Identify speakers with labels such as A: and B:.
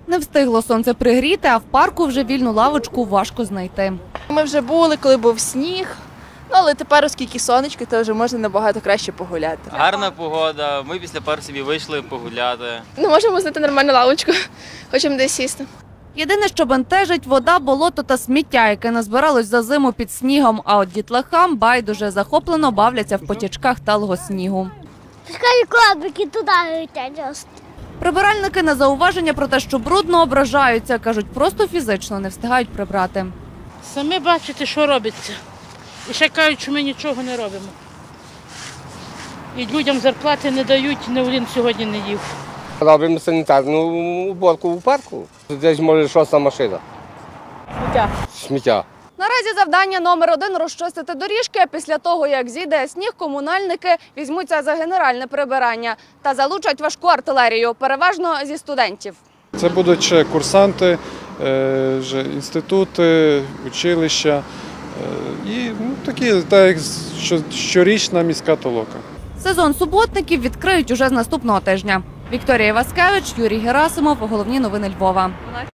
A: Не встигло сонце пригріти, а в парку вже вільну лавочку важко знайти.
B: Ми вже були, коли був сніг, але тепер, оскільки сонечко, то вже можна набагато краще погуляти.
C: Гарна погода, ми після пару собі вийшли погуляти.
D: Не можемо знайти нормальну лавочку, хочемо десь сісти.
A: Єдине, що бентежить – вода, болото та сміття, яке назбиралось за зиму під снігом, а от дітлахам байдуже захоплено бавляться в потічках талого снігу.
E: Пускай крабики туди летять.
A: Прибиральники на зауваження про те, що брудно, ображаються. Кажуть, просто фізично не встигають прибрати.
F: Самі бачите, що робиться. І ще кажуть, що ми нічого не робимо. І людям зарплати не дають, ні один сьогодні не їв.
G: Робимо санітарну уборку в парку. Десь може шоста машина. Сміття.
A: Наразі завдання номер 1 – розчистити доріжки. Після того, як зійде сніг, комунальники візьмуться за генеральне прибирання та залучать важку артилерію, переважно зі студентів.
H: Це будуть ще курсанти, вже інститути, училища і такі, так як щорічна міська толока.
A: Сезон суботників відкриють уже з наступного тижня. Вікторія Васкевич, Юрій Герасимов. Головні новини Львова.